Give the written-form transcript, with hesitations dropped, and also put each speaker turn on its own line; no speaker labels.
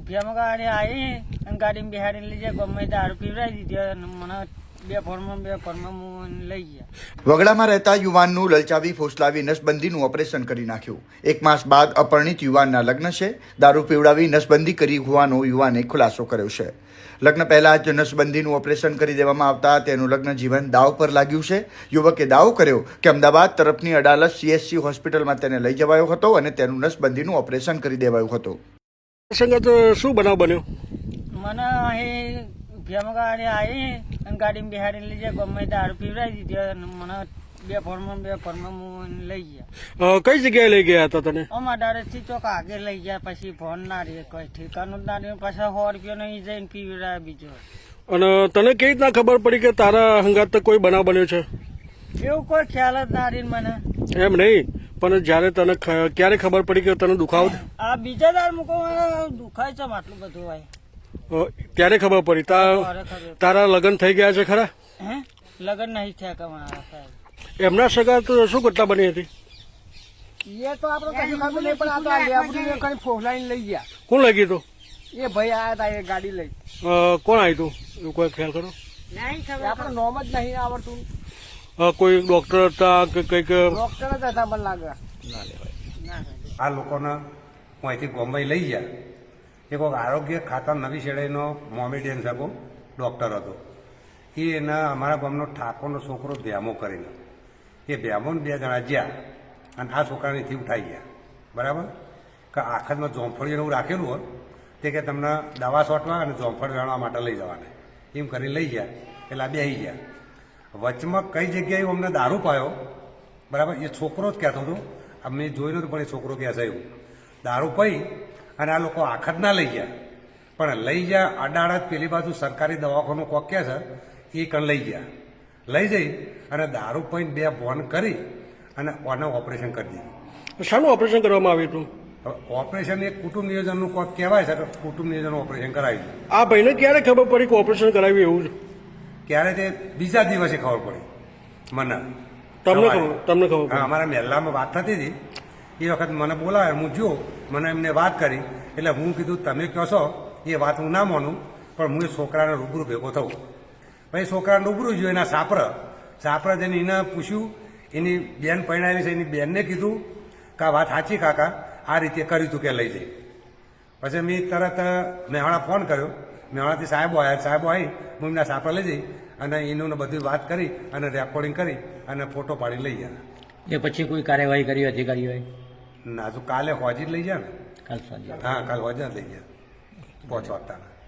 ઉફિયામાં ગાડી આવી અને ગાડીમાં બિહાડી લઈ જાય ગમે દારૂ પીવડાવી દીધી અને મને બે ફોર્મમાં હું લઈ ગયા।
વગડામાં રહેતા યુવાનનું લલચાવી ફોસલાવી નસબંધીનું ઓપરેશન કરી નાખ્યું। 1 માસ બાદ અપરિણીત યુવાનના લગ્ન છે। દારૂ પીવડાવી નસબંધી કરી હોવાનો યુવાને ખુલાસો કર્યો છે। લગ્ન પહેલા જ નસબંધીનું ઓપરેશન કરી દેવામાં આવતા તેનું લગ્ન જીવન દાવ પર લાગ્યું છે। યુવકે દાવો કર્યો કે અમદાવાદ તરફની અડાલજ CHC હોસ્પિટલમાં તેને લઈ જવાયો હતો અને તેનું નસબંધીનું ઓપરેશન કરી દેવાયું હતું।
સંગત શું બનાવ બન્યો?
મને અહીં ઉફિયામાં ગાડી આવી અને ગાડીમાં બિહાડી લઈ જાય ગમે દારૂ પીવડાવી દીધી અને મને બે ફોર્મમાં હું લઈ ગયા।
કઈ જગ્યાએ લઈ ગયા હતા તને?
અમારા ડાયરેક્ટથી ચોક આગળ લઈ ગયા, પછી ફોન ના રહે, કોઈ ઠેકાનું જ ના રહે, પાછા 100 રૂપિયા નહીં જઈને પીવડાવ્યા બીજો।
અને તને કેવી રીતના ખબર પડી કે તારા હંગાત કોઈ બનાવ બન્યો છે?
એવું કોઈ ખ્યાલ જ ના રહી મને।
એમ નહીં, પણ જયારે તને ક્યારે ખબર પડી કે તને દુખાવો?
આ બીજા દાર મૂકો દુખાય છે આટલું બધું હોય
ત્યારે ખબર પડી। તારા લગ્ન થઈ ગયા છે ખરા?
હે લગ્ન નહીં થયા કમાયા?
એમના સગા તો શું ઘટના બની હતી?
એ તો આપણે કશું ખબર નહીં, પણ આ તો આ લેબડી કઈ ફોસલાઈને લઈ ગયા।
કોણ લઈ ગયું તું?
એ ભાઈ આયા હતા એ ગાડી લઈ।
કોણ આવ્યું તું એવું કોઈ ખ્યાલ કરો?
નહીં ખબર,
આપણે નોમ જ નહીં આવડતું।
કોઈ ડોક્ટર હતા કે કઈક?
ડોક્ટર જ હતા મને લાગે।
આ લોકોને હું અહીંથી બોમ્બે લઈ ગયા। એ કોઈક આરોગ્ય ખાતા નવી શેડાઈનો મોમેડિયન સગો ડૉક્ટર હતો। એ એના અમારા ગામનો ઠાકોરનો છોકરો ભ્યામો કરીને એ ભ્યામોને 2 જણા જ્યાં અને આ છોકરાનેથી ઉઠાઈ ગયા, બરાબર? કે આખતમાં જોંફળી એવું રાખેલું હોય તે કે તમને દવા છોટવા અને જોંફળ વેણવા માટે લઈ જવાને એમ કરીને લઈ ગયા। એટલે આ બેસી ગયા। વચમાં કઈ જગ્યાએ અમને દારૂ પાયો, બરાબર? એ છોકરો જ કહેતો હતો, અમે જોઈ નહોતું પણ એ છોકરો કહે છે એવું દારૂ પી અને આ લોકો આખત ના લઈ ગયા, પણ લઈ ગયા અડાડત પેલી બાજુ સરકારી દવાખાનું કોક કહે છે એ કણ લઈ ગયા। લઈ જઈ અને દારૂ પીને 2 બોન કરી અને ઓને ઓપરેશન કરી દીધું।
શાનું ઓપરેશન કરવામાં આવ્યું હતું?
ઓપરેશન એ કુટુંબ નિયોજનનું કોક કહેવાય છે કે કુટુંબ નિયોજનનું ઓપરેશન કરાવ્યું।
આ ભાઈને ક્યારે ખબર પડી કે ઓપરેશન કરાવ્યું એવું?
ક્યારે તે બીજા દિવસે ખબર પડી મને।
તમને ખબર?
હા, અમારા મહેલામાં વાત થતી હતી એ વખત મને બોલાવે, હું જો મને એમને વાત કરી એટલે હું કીધું તમે કહો છો એ વાત હું ના માનું, પણ હું એ છોકરાને રૂબરૂ ભેગો થઉં। પછી છોકરાને રૂબરૂ જોયું એના સાપરા જઈને એને પૂછ્યું, એની બેન પરણાવી છે એની બેનને કીધું કે આ વાત સાચી કાકા, આ રીતે કર્યું હતું કે લઈ જઈ। પછી મેં તરત મેહાણા ફોન કર્યો, મેહાણાથી સાહેબો આવી હું એમના સાપરા લઈ જઈ અને એનું બધી વાત કરી અને રેકોર્ડિંગ કરી અને ફોટો પાડી લઈ ગયા।
એ પછી કોઈ કાર્યવાહી કરી અધિકારીઓએ?
ના, જો કાલે હોજી જ લઈ ગયા ને?
કાલ સાંજે?
હા, કાલ હોજી જ લઈ ગયા 5 વાગતા।